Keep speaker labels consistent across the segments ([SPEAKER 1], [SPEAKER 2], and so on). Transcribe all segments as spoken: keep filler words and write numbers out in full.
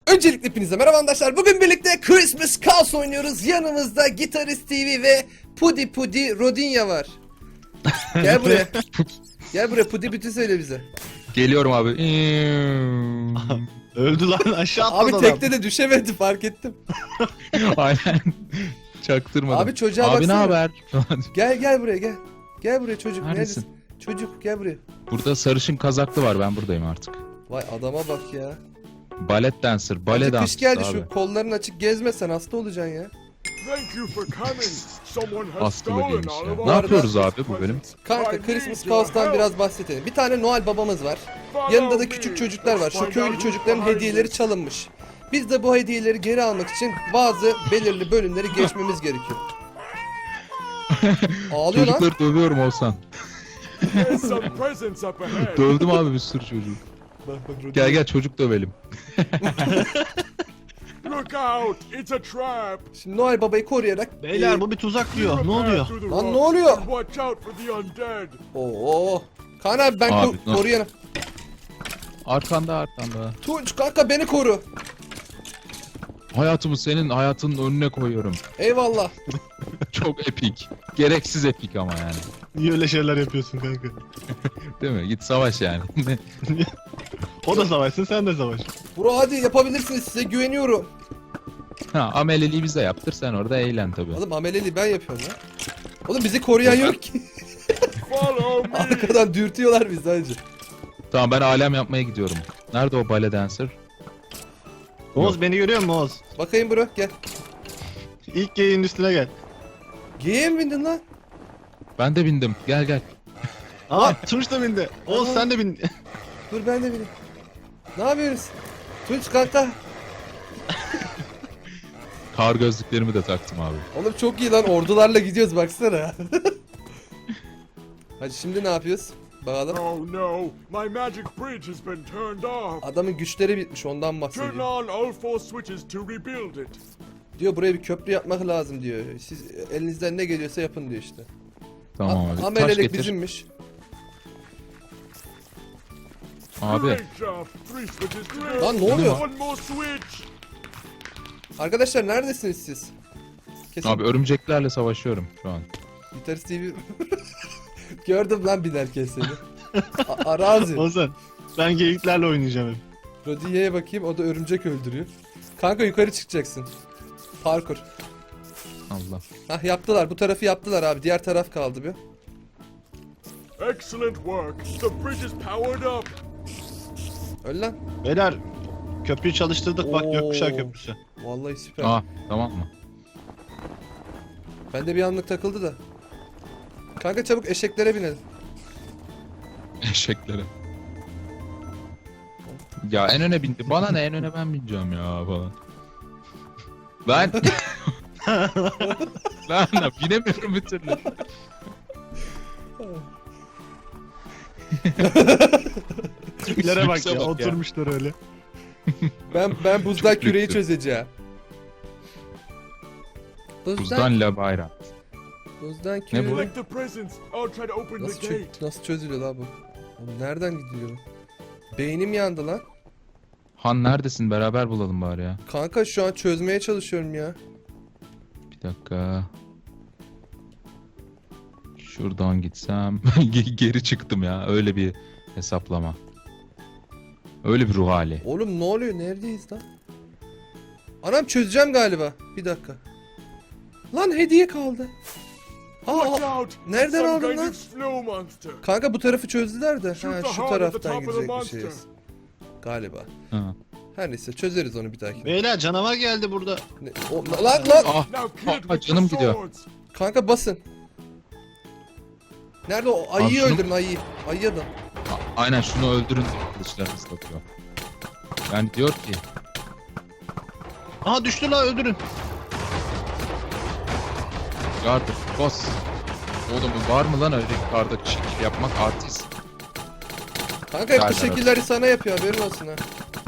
[SPEAKER 1] Öncelikle hepinize merhaba arkadaşlar. Bugün birlikte Christmas Chaos oynuyoruz. Yanımızda Gitarist T V ve Pudi Pudi Rodinya var. Gel buraya. Gel buraya Pudi Pudi söyle bize.
[SPEAKER 2] Geliyorum abi.
[SPEAKER 3] Öldü lan, aşağı atladı
[SPEAKER 1] Abi
[SPEAKER 3] adam.
[SPEAKER 1] tekte de düşemedi, fark ettim.
[SPEAKER 2] Aynen. Çaktırmadım.
[SPEAKER 1] Abi çocuğa
[SPEAKER 2] Abi
[SPEAKER 1] baksana.
[SPEAKER 2] ne haber?
[SPEAKER 1] Gel gel buraya gel. Gel buraya çocuk.
[SPEAKER 2] Neredesin?
[SPEAKER 1] Neredesin? Çocuk gel buraya.
[SPEAKER 2] Burada sarışın kazaklı var, ben buradayım artık.
[SPEAKER 1] Vay adama bak ya.
[SPEAKER 2] Balet dancer, bale
[SPEAKER 1] Hadi
[SPEAKER 2] dancer
[SPEAKER 1] kış geldi,
[SPEAKER 2] abi.
[SPEAKER 1] şu kolların açık gezmesen hasta olacaksın ya.
[SPEAKER 4] Thank you for coming. Someone has
[SPEAKER 2] Askılı
[SPEAKER 4] stolen
[SPEAKER 2] giymiş
[SPEAKER 4] all
[SPEAKER 2] ya.
[SPEAKER 4] of
[SPEAKER 2] Ne
[SPEAKER 4] our
[SPEAKER 2] yapıyoruz abi
[SPEAKER 4] Christmas
[SPEAKER 2] bu bölüm?
[SPEAKER 4] presents.
[SPEAKER 1] Kanka
[SPEAKER 4] I
[SPEAKER 1] Christmas
[SPEAKER 4] need your
[SPEAKER 1] Chaos'tan
[SPEAKER 4] help.
[SPEAKER 1] biraz bahsedelim. Bir tane Noel babamız var.
[SPEAKER 4] Follow
[SPEAKER 1] Yanında da
[SPEAKER 4] me.
[SPEAKER 1] küçük çocuklar var.
[SPEAKER 4] Let's
[SPEAKER 1] Şu
[SPEAKER 4] find
[SPEAKER 1] köylü
[SPEAKER 4] out
[SPEAKER 1] çocukların
[SPEAKER 4] who's behind
[SPEAKER 1] hediyeleri
[SPEAKER 4] this.
[SPEAKER 1] çalınmış. Biz de bu hediyeleri geri almak için bazı belirli bölümleri geçmemiz gerekiyor. Ağlıyor lan.
[SPEAKER 2] Çocukları dövüyorum olsan.
[SPEAKER 4] There's some presents up ahead.
[SPEAKER 2] Dövdüm abi bir sürü çocuk. Gel gel çocuk dövelim.
[SPEAKER 4] Look out! It's a trap.
[SPEAKER 1] Şimdi Noel babayı koruyarak...
[SPEAKER 3] Beyler bu bir tuzak diyor. Ne oluyor?
[SPEAKER 1] Lan ne oluyor?
[SPEAKER 4] Watch out for the undead.
[SPEAKER 1] Oo. Kaan abi ben
[SPEAKER 2] Abi,
[SPEAKER 1] ko-
[SPEAKER 2] nasıl?
[SPEAKER 1] koruyanım.
[SPEAKER 2] Arkanda arkanda.
[SPEAKER 1] Tunç kanka beni koru.
[SPEAKER 2] Hayatımı senin hayatının önüne koyuyorum.
[SPEAKER 1] Eyvallah.
[SPEAKER 2] Çok epik. Gereksiz epik ama yani.
[SPEAKER 3] Niye öyle şeyler yapıyorsun kanka?
[SPEAKER 2] Değil mi? Git savaş yani.
[SPEAKER 3] O da savaşsın, sen de savaş.
[SPEAKER 1] Bro hadi yapabilirsiniz, size güveniyorum.
[SPEAKER 2] Ha, ameleliği bize yaptır, sen orada eğlen tabii.
[SPEAKER 1] Oğlum ameleli ben yapıyorum ya. Oğlum bizi koruyan yok ki.
[SPEAKER 4] Follow me.
[SPEAKER 1] Arkadan dürtüyorlar bizi hacı.
[SPEAKER 2] Tamam, ben alem yapmaya gidiyorum. Nerede o ballet dancer?
[SPEAKER 3] Oğuz beni görüyor musun Oğuz?
[SPEAKER 1] Bakayım bro gel.
[SPEAKER 3] İlk geyiğin üstüne gel.
[SPEAKER 1] Geyiğe mi bindin lan?
[SPEAKER 2] Ben de bindim. Gel gel.
[SPEAKER 3] Aa Tunç da bindi. Oğuz
[SPEAKER 1] Aha.
[SPEAKER 3] sen de bin.
[SPEAKER 1] Dur ben de bineyim. Ne yapıyoruz? Tunç kanka.
[SPEAKER 2] Kar gözlüklerimi de taktım abi.
[SPEAKER 1] Oğlum çok iyi lan, ordularla gidiyoruz baksana. Hadi şimdi ne yapıyoruz? Bakalım.
[SPEAKER 4] Oh no! My magic bridge has been turned off.
[SPEAKER 1] Adamın güçleri bitmiş, ondan
[SPEAKER 4] Turn
[SPEAKER 1] bahsediyor.
[SPEAKER 4] on all four switches to rebuild it.
[SPEAKER 1] Diyor buraya bir köprü yapmak lazım diyor. Siz elinizden ne geliyorsa yapın diyor işte.
[SPEAKER 2] Tamam
[SPEAKER 1] A-
[SPEAKER 2] abi. Taş
[SPEAKER 1] Amelelik
[SPEAKER 2] getir.
[SPEAKER 1] bizimmiş.
[SPEAKER 2] Abi.
[SPEAKER 4] Great job. Three switches. Great.
[SPEAKER 1] Lan ne oluyor?
[SPEAKER 4] One more switch.
[SPEAKER 1] Arkadaşlar neredesiniz siz? Kesin
[SPEAKER 2] Abi örümceklerle savaşıyorum şu an.
[SPEAKER 1] Gitarist T V... Gördüm lan binerken seni. A- Arazi.
[SPEAKER 3] Oğuzhan ben geyiklerle oynayacağım hep.
[SPEAKER 1] Rodiye'ye bakayım, o da örümcek öldürüyor. Kanka yukarı çıkacaksın. Parkur.
[SPEAKER 2] Allah.
[SPEAKER 1] Hah yaptılar, bu tarafı yaptılar abi, diğer taraf kaldı bir.
[SPEAKER 4] Excellent work. The bridge is powered up.
[SPEAKER 1] Öl lan.
[SPEAKER 3] Beyler köprüyü çalıştırdık bak,
[SPEAKER 1] Oo.
[SPEAKER 3] gökkuşağı köprüsü.
[SPEAKER 1] Vallahi süper.
[SPEAKER 2] Aa, tamam mı?
[SPEAKER 1] Bende bir anlık takıldı da. Kanka çabuk eşeklere binelim.
[SPEAKER 2] Eşeklere. Ya en öne bindi. Bana ne, en öne ben bineceğim ya falan. Ben... Lan lan, binemiyorum bir türlü.
[SPEAKER 3] Tiplere bak
[SPEAKER 2] Lükse
[SPEAKER 3] ya,
[SPEAKER 2] bak ya.
[SPEAKER 3] oturmuşlar öyle.
[SPEAKER 1] Ben ben buzdan
[SPEAKER 2] Çok
[SPEAKER 1] küreyi
[SPEAKER 2] lüksü.
[SPEAKER 1] çözeceğim. Buzdan,
[SPEAKER 2] Buzdan la bayram.
[SPEAKER 1] buzdan
[SPEAKER 2] Ne
[SPEAKER 1] küreyi.
[SPEAKER 2] bu?
[SPEAKER 4] Collect the presents. I'll try to open
[SPEAKER 1] Nasıl,
[SPEAKER 4] the
[SPEAKER 1] çö-
[SPEAKER 4] gate.
[SPEAKER 1] nasıl çözülüyor lan bu? Oğlum nereden gidiyor? Beynim yandı lan.
[SPEAKER 2] Han neredesin? Beraber bulalım bari ya.
[SPEAKER 1] Kanka şu an çözmeye çalışıyorum ya.
[SPEAKER 2] Bir dakika. Şuradan gitsem Ge- geri çıktım ya. Öyle bir hesaplama. Öyle bir ruh hali.
[SPEAKER 1] Oğlum ne oluyor? Neredeyiz lan? Anam çözeceğim galiba. Bir dakika. Lan hediye kaldı. Aa,
[SPEAKER 4] Watch
[SPEAKER 1] aa.
[SPEAKER 4] out.
[SPEAKER 1] Nereden
[SPEAKER 4] Some
[SPEAKER 1] aldın
[SPEAKER 4] kind
[SPEAKER 1] lan?
[SPEAKER 4] of slow monster.
[SPEAKER 1] Kanka bu tarafı çözdüler de.
[SPEAKER 4] Shoot
[SPEAKER 1] Ha,
[SPEAKER 4] the
[SPEAKER 1] şu
[SPEAKER 4] heart at the
[SPEAKER 1] taraftan
[SPEAKER 4] top of the
[SPEAKER 1] gidecekmişiz.
[SPEAKER 4] monster.
[SPEAKER 1] Galiba.
[SPEAKER 2] Ha.
[SPEAKER 1] Her neyse çözeriz onu bir dahaki.
[SPEAKER 3] Beyler canavar geldi burada.
[SPEAKER 1] Ne- o- lan lan!
[SPEAKER 2] Ah,
[SPEAKER 4] Now kill it
[SPEAKER 2] ah,
[SPEAKER 4] with
[SPEAKER 2] canım
[SPEAKER 4] the
[SPEAKER 2] gidiyor.
[SPEAKER 4] swords.
[SPEAKER 1] Kanka basın. Nerede o? Ayıyı
[SPEAKER 2] şunu-
[SPEAKER 1] öldürün ayıyı. Ayıya da.
[SPEAKER 2] A- aynen şunu öldürün. Kılıçlar ıslatıyor. Yani diyor ki
[SPEAKER 3] Aha düştü la, öldürün.
[SPEAKER 2] yardır bas. Oğlum var mı lan öyle karda şekil yapmak, artist.
[SPEAKER 1] Kanka hep bu
[SPEAKER 2] Gel,
[SPEAKER 1] şekilleri sana yapıyor, haberin olsun ha.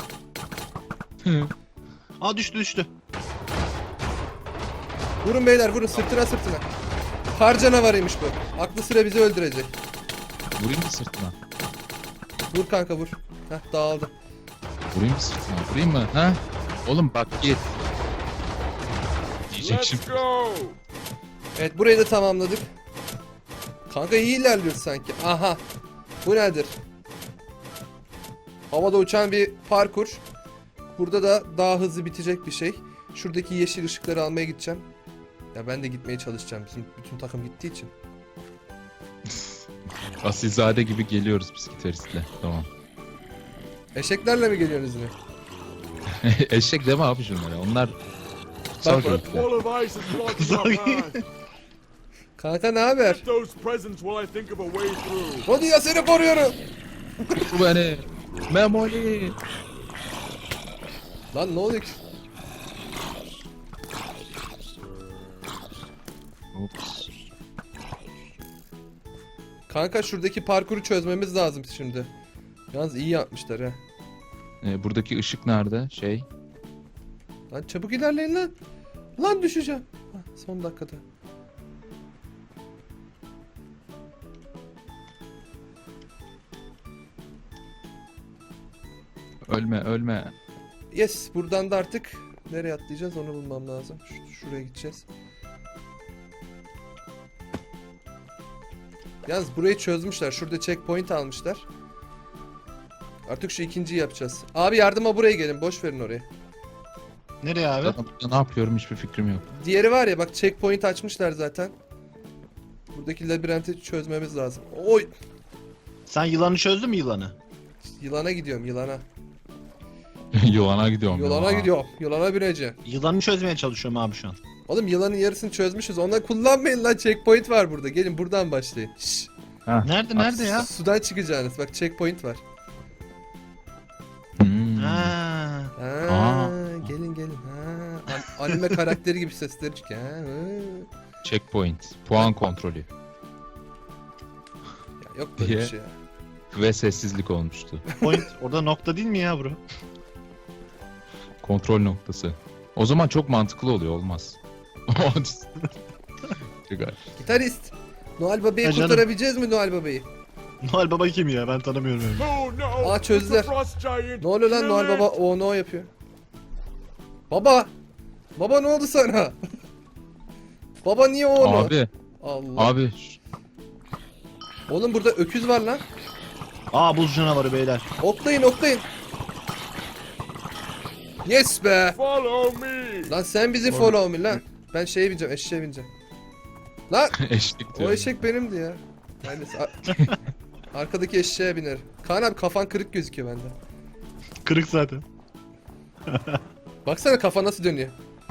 [SPEAKER 3] Aa düştü düştü.
[SPEAKER 1] Vurun beyler vurun, sırtına sırtına. Kar canavarıymış bu. Aklı sıra bizi öldürecek.
[SPEAKER 2] Vurayım mı sırtına?
[SPEAKER 1] Vur kanka vur. Heh dağıldı.
[SPEAKER 2] Vurayım mı sırtına? Vurayım mı? Ha? Oğlum bak git. Diyecek
[SPEAKER 4] Let's
[SPEAKER 2] şimdi.
[SPEAKER 4] go.
[SPEAKER 1] Evet burayı da tamamladık. Kanka iyi ilerliyoruz sanki. Aha. Bu nedir? Havada uçan bir parkur. Burada da daha hızlı bitecek bir şey. Şuradaki yeşil ışıkları almaya gideceğim. Ya ben de gitmeye çalışacağım. Bizim bütün takım gittiği için.
[SPEAKER 2] Asilzade gibi geliyoruz biz gitaristle. Tamam.
[SPEAKER 1] Eşeklerle mi geliyorsunuz yine?
[SPEAKER 2] Eşek deme abi şunlara. Onlar
[SPEAKER 1] Bak,
[SPEAKER 2] sağ
[SPEAKER 4] That
[SPEAKER 2] çocuklar.
[SPEAKER 4] wall of ice is blocking our path.
[SPEAKER 1] Kanka ne haber?
[SPEAKER 4] Get those presents while I think of a way through.
[SPEAKER 1] Rodia seni koruyorum.
[SPEAKER 2] Bu beni. Memoli.
[SPEAKER 1] Lan ne oluyor ki?
[SPEAKER 2] Ups.
[SPEAKER 1] Kanka şuradaki parkuru çözmemiz lazım şimdi. Yalnız iyi yapmışlar ha.
[SPEAKER 2] Ee, buradaki ışık nerede? Şey.
[SPEAKER 1] Lan çabuk ilerleyin lan. Lan düşeceğim. Hah, son dakikada.
[SPEAKER 2] Ölme ölme.
[SPEAKER 1] Yes, buradan da artık nereye atlayacağız onu bulmam lazım. Ş- şuraya gideceğiz. Yalnız burayı çözmüşler. Şurada checkpoint almışlar. Artık şu ikinciyi yapacağız. Abi yardıma buraya gelin. Boş verin orayı.
[SPEAKER 3] Nereye abi?
[SPEAKER 2] Zaten burada ne yapıyorum hiçbir fikrim yok.
[SPEAKER 1] Diğeri var ya bak checkpoint açmışlar zaten. Buradaki labirenti çözmemiz lazım. Oy!
[SPEAKER 3] Sen yılanı çözdün mü yılanı?
[SPEAKER 1] Yılana gidiyorum yılana.
[SPEAKER 2] Yolana gidiyorum.
[SPEAKER 1] Yılana
[SPEAKER 2] ya.
[SPEAKER 1] gidiyorum. Yılana bineceğim.
[SPEAKER 3] Yılanı çözmeye çalışıyorum abi şu an.
[SPEAKER 1] Oğlum yılanın yarısını çözmüşüz. Onları kullanmayın lan. Checkpoint var burada. Gelin buradan başlayın. Şşş.
[SPEAKER 3] Nerede nerede ya?
[SPEAKER 1] Sudan çıkacaksınız. Bak checkpoint var.
[SPEAKER 2] Hmm.
[SPEAKER 3] Ha.
[SPEAKER 1] Ha,
[SPEAKER 2] Aa.
[SPEAKER 1] gelin gelin. Ha, an- anime karakteri gibi sesleri çıkıyor. Ha, hı.
[SPEAKER 2] Checkpoint. Puan kontrolü.
[SPEAKER 1] Ya yok böyle bir
[SPEAKER 2] Diye.
[SPEAKER 1] şey ya.
[SPEAKER 2] Ve sessizlik olmuştu.
[SPEAKER 3] Point orada nokta değil mi ya bro?
[SPEAKER 2] Kontrol noktası. O zaman çok mantıklı oluyor. Olmaz. Güzel.
[SPEAKER 1] Gitarist. Noel Baba'yı
[SPEAKER 3] Ha, canım.
[SPEAKER 1] kurtarabileceğiz mi Noel Baba'yı?
[SPEAKER 3] Noel Baba kim ya? Ben tanımıyorum öyle.
[SPEAKER 4] Oh no!
[SPEAKER 1] Aa,
[SPEAKER 4] It's
[SPEAKER 1] çözdüler.
[SPEAKER 4] the Frost Giant.
[SPEAKER 1] Ne oluyor lan
[SPEAKER 4] Kill
[SPEAKER 1] Noel
[SPEAKER 4] it.
[SPEAKER 1] Baba? O no yapıyor. Baba. Baba ne oldu sana? Baba niye o no?
[SPEAKER 2] Abi.
[SPEAKER 1] Allah.
[SPEAKER 2] Abi.
[SPEAKER 1] Oğlum burada öküz var lan.
[SPEAKER 3] Aa buz canavarı beyler.
[SPEAKER 1] Oklayın oklayın. Yes be.
[SPEAKER 4] Follow me.
[SPEAKER 1] Lan sen bizi follow me lan. Ben şeye bineceğim, eşeğe bineceğim. Lan
[SPEAKER 2] Eşlik diyor.
[SPEAKER 1] o eşek benimdi ya. Yani arkadaki eşeğe biner. Kaan abi kafan kırık gözüküyor bende.
[SPEAKER 3] Kırık zaten.
[SPEAKER 1] Baksana kafa nasıl dönüyor.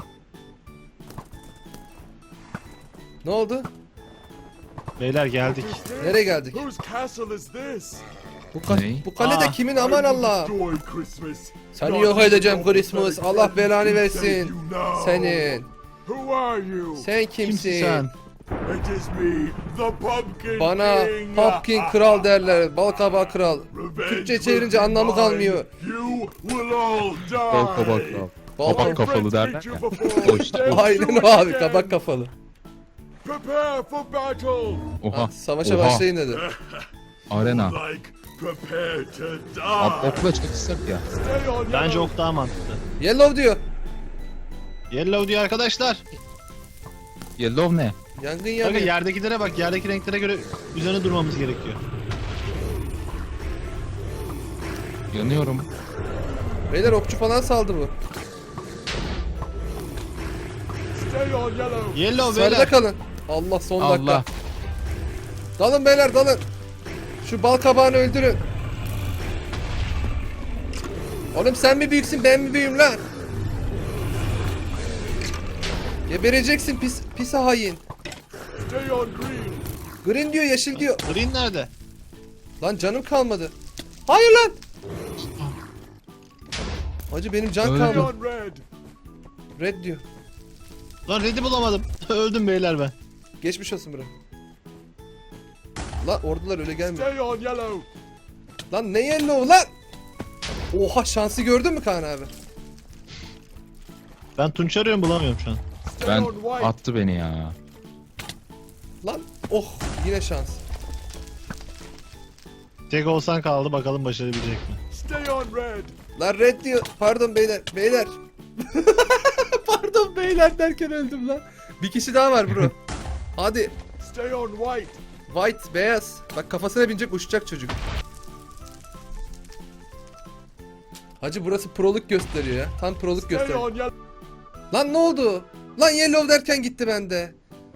[SPEAKER 1] Ne oldu?
[SPEAKER 3] Beyler geldik.
[SPEAKER 4] Who's this?
[SPEAKER 1] Nereye geldik?
[SPEAKER 4] Whose castle is this?
[SPEAKER 1] Bu, ka-
[SPEAKER 2] Ney?
[SPEAKER 1] bu kale de
[SPEAKER 3] Aa.
[SPEAKER 1] kimin aman
[SPEAKER 4] I will
[SPEAKER 1] Allah.
[SPEAKER 4] destroy Christmas.
[SPEAKER 1] Seni
[SPEAKER 4] Not
[SPEAKER 1] yok
[SPEAKER 4] even
[SPEAKER 1] edeceğim
[SPEAKER 4] your
[SPEAKER 1] Christmas.
[SPEAKER 4] pathetic
[SPEAKER 1] Allah belanı
[SPEAKER 4] friends can save
[SPEAKER 1] versin.
[SPEAKER 4] you now.
[SPEAKER 1] Senin.
[SPEAKER 4] Who are you?
[SPEAKER 1] Sen
[SPEAKER 3] Kimsin
[SPEAKER 1] kimsin?
[SPEAKER 3] sen?
[SPEAKER 4] It is me, the Pumpkin
[SPEAKER 1] Bana
[SPEAKER 4] King.
[SPEAKER 1] Pumpkin Kral derler. Balkabağı Kral.
[SPEAKER 4] Revenge
[SPEAKER 1] Türkçe
[SPEAKER 4] will
[SPEAKER 1] çevirince
[SPEAKER 4] be
[SPEAKER 1] anlamı
[SPEAKER 4] mine.
[SPEAKER 1] kalmıyor.
[SPEAKER 4] You will all die.
[SPEAKER 2] Bal kabak kral.
[SPEAKER 1] Bal
[SPEAKER 2] Kabak
[SPEAKER 1] kabak.
[SPEAKER 2] kafalı derler
[SPEAKER 4] Friends
[SPEAKER 2] ya.
[SPEAKER 4] beat you before.
[SPEAKER 2] O işte.
[SPEAKER 4] Let's
[SPEAKER 1] Aynen
[SPEAKER 4] do it
[SPEAKER 1] o abi
[SPEAKER 4] again.
[SPEAKER 1] kabak kafalı.
[SPEAKER 4] Prepare for battle.
[SPEAKER 2] Oha.
[SPEAKER 1] Ha, savaşa
[SPEAKER 2] Oha.
[SPEAKER 1] başlayın dedi.
[SPEAKER 2] Arena.
[SPEAKER 4] Like prepare to
[SPEAKER 2] Abi
[SPEAKER 4] die.
[SPEAKER 2] okla çalışsak ya.
[SPEAKER 4] Stay on
[SPEAKER 3] Bence
[SPEAKER 4] yellow.
[SPEAKER 3] ok daha mantıklı.
[SPEAKER 1] Yellow diyor.
[SPEAKER 3] Yellow diyor arkadaşlar.
[SPEAKER 2] Yellow ne?
[SPEAKER 1] Yangın
[SPEAKER 3] Kanka
[SPEAKER 1] yanıyor.
[SPEAKER 3] yerdekilere bak. Yerdeki renklere göre üzerine durmamız gerekiyor.
[SPEAKER 2] Yanıyorum.
[SPEAKER 1] Beyler okçu falan saldı bu.
[SPEAKER 4] Stay on yellow.
[SPEAKER 3] Yellow
[SPEAKER 1] Sarıda
[SPEAKER 3] beyler.
[SPEAKER 1] kalın. Allah son dakika.
[SPEAKER 2] Allah.
[SPEAKER 1] Dalın beyler dalın. Şu bal kabağını öldürün. Oğlum sen mi büyüksün ben mi büyüğüm lan? Gebereceksin pis pis hain.
[SPEAKER 4] Stay on green.
[SPEAKER 1] Green diyor yeşil diyor.
[SPEAKER 3] Green nerede?
[SPEAKER 1] Lan canım kalmadı. Hayır lan. Hacı benim can
[SPEAKER 2] Öldüm.
[SPEAKER 4] Stay
[SPEAKER 1] kalmadı.
[SPEAKER 4] on red.
[SPEAKER 1] Red diyor.
[SPEAKER 3] Lan red'i bulamadım. Öldüm beyler ben.
[SPEAKER 1] Geçmiş olsun bro. Lan ordular öyle gelmiyor.
[SPEAKER 4] Stay on yellow.
[SPEAKER 1] Lan ne yellow lan? Oha şansı gördün mü Kaan abi?
[SPEAKER 3] Ben Tunç arıyorum bulamıyorum şu an.
[SPEAKER 4] Stay
[SPEAKER 2] Ben
[SPEAKER 4] on white.
[SPEAKER 2] attı beni ya.
[SPEAKER 1] Lan oh yine şans.
[SPEAKER 3] Tek olsan kaldı bakalım başarabilecek mi?
[SPEAKER 4] Stay on red.
[SPEAKER 1] Lan red diyor. Pardon beyler. Beyler. Pardon beyler derken öldüm lan. Bir kişi daha var bro. Hadi.
[SPEAKER 4] Stay on white.
[SPEAKER 1] White, beyaz. Bak kafasına binecek uçacak çocuk. Hacı burası proluk gösteriyor ya. Tam proluk
[SPEAKER 4] Stay
[SPEAKER 1] gösteriyor.
[SPEAKER 4] on yellow.
[SPEAKER 1] Lan ne oldu? Lan yellow derken gitti bende.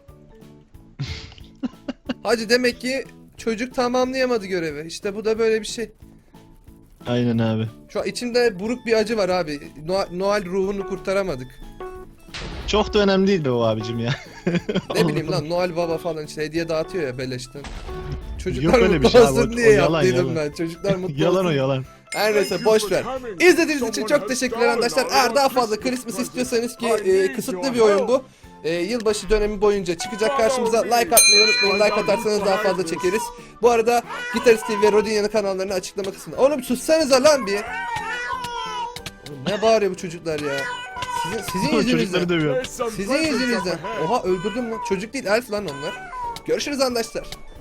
[SPEAKER 1] Hacı demek ki çocuk tamamlayamadı görevi. İşte bu da böyle bir şey.
[SPEAKER 3] Aynen abi.
[SPEAKER 1] Şu an içimde buruk bir acı var abi. Noel, Noel ruhunu kurtaramadık.
[SPEAKER 3] Çok da önemli değil be o abicim ya.
[SPEAKER 1] Ne bileyim lan Noel Baba falan işte hediye dağıtıyor ya beleşten. Çocuklar
[SPEAKER 3] öyle bir
[SPEAKER 1] mutlu
[SPEAKER 3] şey abi,
[SPEAKER 1] olsun
[SPEAKER 3] o-
[SPEAKER 1] diye
[SPEAKER 3] o yalan,
[SPEAKER 1] yaptıydım
[SPEAKER 3] yalan.
[SPEAKER 1] ben. Çocuklar mutlu
[SPEAKER 3] Yalan
[SPEAKER 1] olsun.
[SPEAKER 3] o yalan.
[SPEAKER 1] Her neyse boş ver. İzlediğiniz için çok teşekkürler arkadaşlar. Eğer daha fazla Christmas istiyorsanız ki e, kısıtlı bir oyun bu. E, yılbaşı dönemi boyunca çıkacak karşımıza. Like atmayı unutmayın. Like atarsanız daha fazla çekeriz. Bu arada Gitarist T V ve Rodinya'nın kanallarını açıklama kısmında. Oğlum sussanıza lan bir. Oğlum ne bağırıyor bu çocuklar ya? Sizin, sizin
[SPEAKER 3] Çocukları
[SPEAKER 1] yüzünüzden.
[SPEAKER 3] dövüyor.
[SPEAKER 1] Sizin yüzünüzden. Oha öldürdüm lan. Çocuk değil elf lan onlar. Görüşürüz arkadaşlar.